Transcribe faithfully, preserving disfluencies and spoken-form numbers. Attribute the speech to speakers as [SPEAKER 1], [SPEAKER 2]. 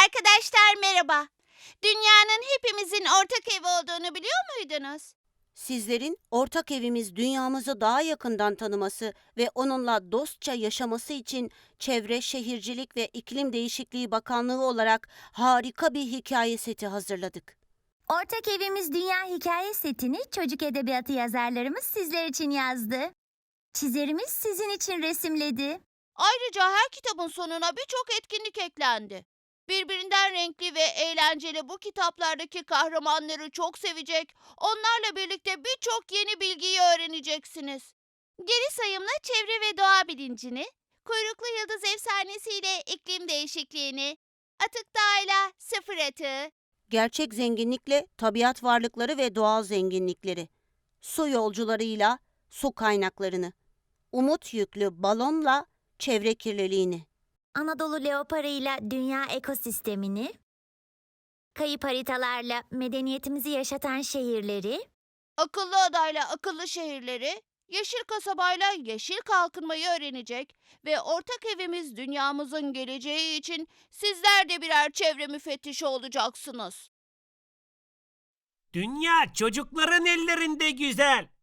[SPEAKER 1] Arkadaşlar merhaba. Dünyanın hepimizin ortak evi olduğunu biliyor muydunuz?
[SPEAKER 2] Sizlerin ortak evimiz dünyamızı daha yakından tanıması ve onunla dostça yaşaması için Çevre, Şehircilik ve İklim Değişikliği Bakanlığı olarak harika bir hikaye seti hazırladık.
[SPEAKER 3] Ortak Evimiz Dünya hikaye setini çocuk edebiyatı yazarlarımız sizler için yazdı. Çizerimiz sizin için resimledi.
[SPEAKER 1] Ayrıca her kitabın sonuna birçok etkinlik eklendi. Birbirinden renkli ve eğlenceli bu kitaplardaki kahramanları çok sevecek, onlarla birlikte birçok yeni bilgiyi öğreneceksiniz. Geri sayımla çevre ve doğa bilincini, kuyruklu yıldız efsanesiyle iklim değişikliğini, atık doğayla sıfır atığı,
[SPEAKER 2] Gerçek zenginlikle tabiat varlıkları ve doğal zenginlikleri, su yolcularıyla su kaynaklarını, umut yüklü balonla çevre kirliliğini,
[SPEAKER 3] Anadolu leoparıyla dünya ekosistemini, kayıp haritalarla medeniyetimizi yaşatan şehirleri,
[SPEAKER 1] akıllı adayla akıllı şehirleri, yeşil kasabayla yeşil kalkınmayı öğrenecek ve ortak evimiz dünyamızın geleceği için sizler de birer çevre müfettişi olacaksınız.
[SPEAKER 4] Dünya çocukların ellerinde güzel.